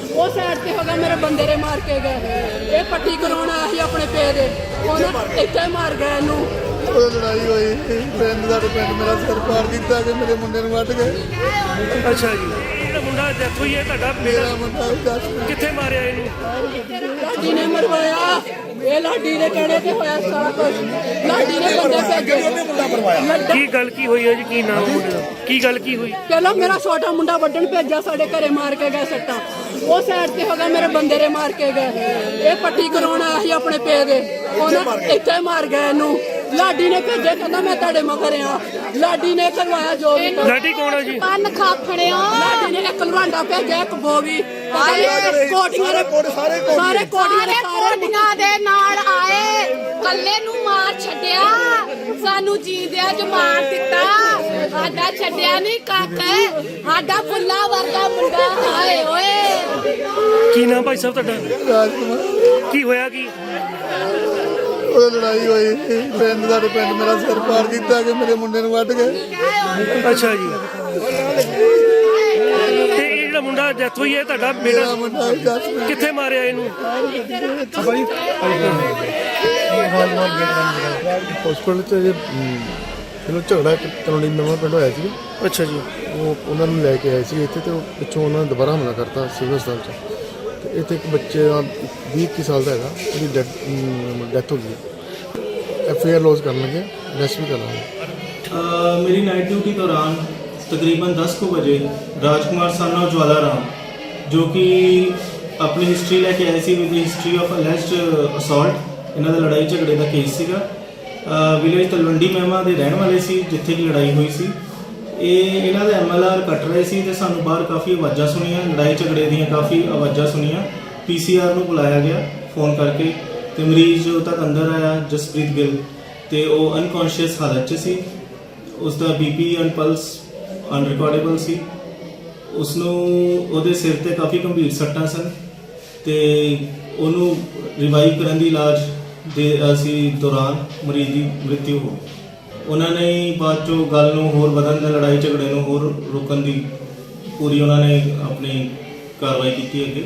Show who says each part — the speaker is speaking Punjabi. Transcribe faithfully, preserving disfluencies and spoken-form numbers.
Speaker 1: वो साइड से होगा मेरे बंदे ने मार के गए ये पट्टी कराना ही अपने पे दे इतना मार गए इनू
Speaker 2: लड़ाई हुई पिंड साडे पिंड मेरा सिर पार किया कि मेरे मुंडे नूं वट गए।
Speaker 3: अच्छा जी ਜਿਹੜਾ ਮੁੰਡਾ ਡੈਥ ਹੋਈ ਹੈ ਤੁਹਾਡਾ
Speaker 2: मेरा मुंडा दस
Speaker 3: ਕਿੱਥੇ ਮਾਰਿਆ ਇਹਨੂੰ?
Speaker 1: लाडी ने मरवाया ये लाडी ने कहने ते होया सारा कुछ लाडी ने बंदे भेजे
Speaker 3: ਕੀ ਗੱਲ ਕੀ ਹੋਈ ਹੈ ਜੀ? ਕੀ ਨਾਮ ਮੁੰਡੇ ਦਾ? ਕੀ ਗੱਲ ਕੀ ਹੋਈ?
Speaker 1: ਪਹਿਲਾਂ ਮੇਰਾ ਛੋਟਾ ਮੁੰਡਾ ਵੱਢਣ ਭੇਜਿਆ ਸਾਡੇ ਘਰੇ ਮਾਰ ਕੇ ਗਏ ਸੱਟਾਂ ਉਹ ਸਾਈਡ ਤੇ ਹੋਗਾ ਮੇਰੇ ਬੰਦੇ ਨੇ ਮਾਰ ਕੇ ਗਏ ਇਹ ਪੱਟੀ ਕਰਾਉਣਾ ਸੀ ਆਪਣੇ ਪੇ ਦੇ ਉਹਨੇ ਇੱਥੇ ਮਾਰ ਗਏ ਇਹਨੂੰ ਲਾਡੀ ਨੇ ਭੇਜਿਆ ਕਹਿੰਦਾ ਮੈਂ ਤੁਹਾਡੇ ਮਗਰ ਆ ਲਾਡੀ ਨੇ ਕਰਵਾਇਆ ਜੋ ਵੀ
Speaker 3: ਲਾਡੀ ਕੌਣ ਹੈ ਜੀ?
Speaker 4: ਕੰਨ ਖਾਖੜਿਓ
Speaker 1: ਲਾਡੀ ਨੇ ਇੱਕ ਲਵਾਂਡਾ ਭੇਜਿਆ ਇੱਕ ਬੋਗੀ ਕੋਟੀਆਂ ਦੇ ਸਾਰੇ
Speaker 4: ਸਾਰੇ
Speaker 1: ਕੋਟੀਆਂ ਦੇ ਸਾਰੇ
Speaker 4: ਕੋਟੀਆਂ ਦੇ ਨਾਲ ਆਏ ਕੱਲੇ ਨੂੰ ਮਾਰ ਛੱਡਿਆ ਸਾਨੂੰ ਜੀਂਦਿਆਂ ਚ ਮਾਰ ਦਿੱਤਾ ਸਾਡਾ ਛੱਡਿਆ ਨਹੀਂ ਕਾਕਾ ਸਾਡਾ ਫੁੱਲਾ ਵਰਗਾ ਮੁੰਡਾ ਆਏ ਓਏ
Speaker 3: ਕੀ ਨਾਮ ਭਾਈ ਸਾਹਿਬ ਤੁਹਾਡਾ?
Speaker 2: राजकुमार
Speaker 3: ਕੀ ਹੋਇਆ ਕੀ?
Speaker 2: ਉਹ ਲੜਾਈ ਹੋਈ ਪਿੰਡ ਸਾडे ਪਿੰਡ ਮੇਰਾ ਸਿਰ ਪਾਰ किया कि मेरे मुंडे नूं वट गए।
Speaker 3: ਅੱਛਾ ਜੀ ਤੇ ਇਹ ਜਿਹੜਾ ਮੁੰਡਾ ਡੈਥ ਹੋਈ ਹੈ ਤੁਹਾਡਾ
Speaker 2: मेरा
Speaker 3: ਬੇਟਾ
Speaker 2: मुंडा दस
Speaker 3: ਕਿੱਥੇ ਮਾਰਿਆ ਇਹਨੂੰ?
Speaker 5: ਹਸਪੀਟਲ 'ਚ ਜੇ ਚਲੋ ਝਗੜਾ ਇੱਕ ਤਲੋੜੀ ਨਵਾਂ ਪਿੰਡ ਹੋਇਆ ਸੀ।
Speaker 3: ਅੱਛਾ ਜੀ
Speaker 5: ਉਹ ਉਹਨਾਂ ਨੂੰ ਲੈ ਕੇ ਆਏ ਸੀ ਇੱਥੇ ਤੇ ਉਹ ਪਿੱਛੋਂ ਉਹਨਾਂ ਨੇ ਦੁਬਾਰਾ ਹਮਲਾ ਕਰਤਾ ਸਿਵਲ ਹਸਪਤਾਲ 'ਚ ਤੇ ਇੱਥੇ ਇੱਕ ਬੱਚੇ ਦਾ ਵੀਹ ਇੱਕੀ ਸਾਲ ਦਾ ਹੈਗਾ ਉਹਦੀ ਡੈਥ ਹੋ ਗਈ। ਐਫ ਆਈ ਆਰ ਲੌਜ ਕਰਨ ਲੱਗੇ ਅਰੈਸਟ ਵੀ ਕਰ ਲਾਂਗੇ।
Speaker 6: मेरी नाइट ड्यूटी दौरान तकरीबन दस को बजे राजकुमार सन और ज्वाला राम जो कि अपनी हिस्ट्री लैके आए सी with history of alleged assault इन्हों का लड़ाई झगड़े का केस सीगा विलेज तलवंडी महमा के रहने वाले सी जिथे की लड़ाई हुई सी ਇਹ ਇਹਨਾਂ ਦਾ ਐਮ ਐਲ ਆਰ ਕੱਟ ਰਹੇ ਸੀ ਤੇ ਸਾਨੂੰ ਬਾਹਰ ਕਾਫੀ ਆਵਾਜ਼ਾਂ ਸੁਣੀਆਂ ਲੜਾਈ ਝਗੜੇ ਦੀਆਂ ਕਾਫੀ ਆਵਾਜ਼ਾਂ ਸੁਣੀਆਂ ਪੀ ਸੀ ਆਰ ਨੂੰ ਬੁਲਾਇਆ ਗਿਆ ਫੋਨ ਕਰਕੇ ਤੇ ਮਰੀਜ਼ ਜੋ ਤੱਕ ਅੰਦਰ ਆਇਆ ਜਸਪ੍ਰੀਤ ਗਿੱਲ ਤੇ ਉਹ ਅਨਕੌਂਸ਼ੀਅਸ ਹਾਲਤ 'ਚ ਸੀ ਉਸ ਦਾ B P and pulse unrecordable ਸੀ ਉਸ ਨੂੰ ਉਹਦੇ ਸਿਰ ਤੇ ਕਾਫੀ ਗੰਭੀਰ ਸੱਟਾਂ ਸਨ ਤੇ ਉਹਨੂੰ ਰਿਵਾਈਵ ਕਰਨ ਦੀ ਇਲਾਜ ਦੇ ਅਸੀਂ ਦੌਰਾਨ ਮਰੀਜ਼ ਦੀ ਮ੍ਰਿਤਿੂ ਹੋ ਗਈ। ਉਹਨਾਂ ਨੇ ਬਾਅਦ ਚੋਂ ਗੱਲ ਨੂੰ ਹੋਰ ਵਧਣ ਦਾ ਲੜਾਈ ਝਗੜੇ ਨੂੰ ਹੋਰ ਰੋਕਣ ਦੀ ਪੂਰੀ ਉਹਨਾਂ ਨੇ ਆਪਣੀ ਕਾਰਵਾਈ ਕੀਤੀ ਅੱਗੇ